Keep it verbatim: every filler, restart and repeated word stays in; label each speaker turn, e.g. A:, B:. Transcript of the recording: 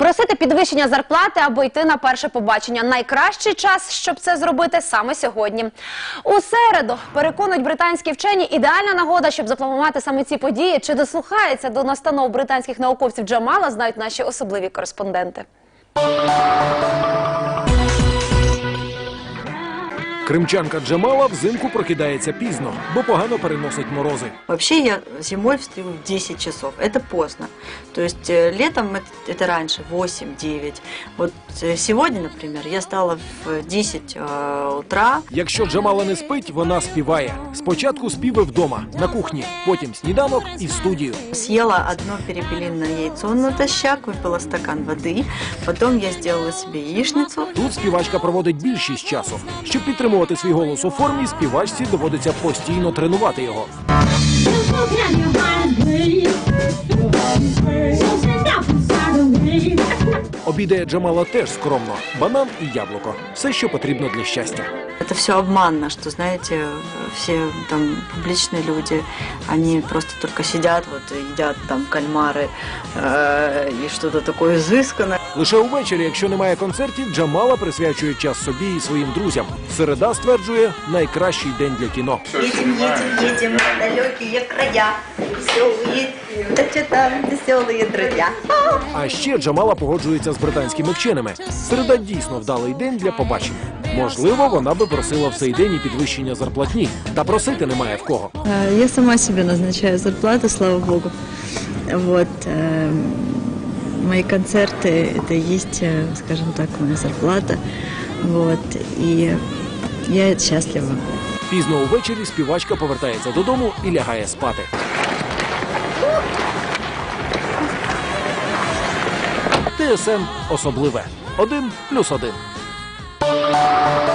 A: Просити підвищення зарплати або йти на перше побачення. Найкращий час, щоб це зробити саме сьогодні. У середу, переконують британські вчені, ідеальна нагода, щоб запланувати саме ці події. Чи дослухається до настанов британських науковців Джамала, знають наші особливі кореспонденти.
B: Кримчанка Джамала взимку прокидається пізно, бо погано переносить морози.
C: Вообще я зимой встаю в десять часов. Это поздно. То есть летом это, это раньше, восемь-девять. Вот сегодня, например, я встала в десять э, утра.
B: Якщо Джамала не спить, вона співає. Спочатку співи вдома, на кухні, потім сніданок і в студію.
C: Съела одно перепелиное яйцо натощак, выпила стакан воды. Потом я сделала себе яичницу.
B: Тут співачка проводить більшість часу. Щоб підтримувати свій голос у формі, співачці доводиться постійно тренувати його. Обідає Джамала теж скромно. Банан і яблуко. Все, що потрібно для щастя.
C: Это все обманно, что, знаете, все там публичные люди, они просто только сидят, вот, едят там кальмары э, и что-то такое изысканное.
B: Лише увечері, якщо немає концертів, Джамала присвячує час собі і своїм друзям. Середа, стверджує, найкращий день для кіно.
C: Едем, едем, едем в далекие края, веселые, да что там веселые друзья.
B: А ще Джамала погоджується з британськими вченими. Середа дійсно вдалий день для побачень. Можливо, вона би просила в цей день і підвищення зарплатні. Та просити немає в кого.
D: Я сама себе назначаю зарплату, слава богу. Вот. Мои концерты, это есть, скажем так, моя зарплата. Вот. И я счастлива.
B: Пізно увечері співачка повертається додому і лягає спати. ТСН особливе. Один плюс один.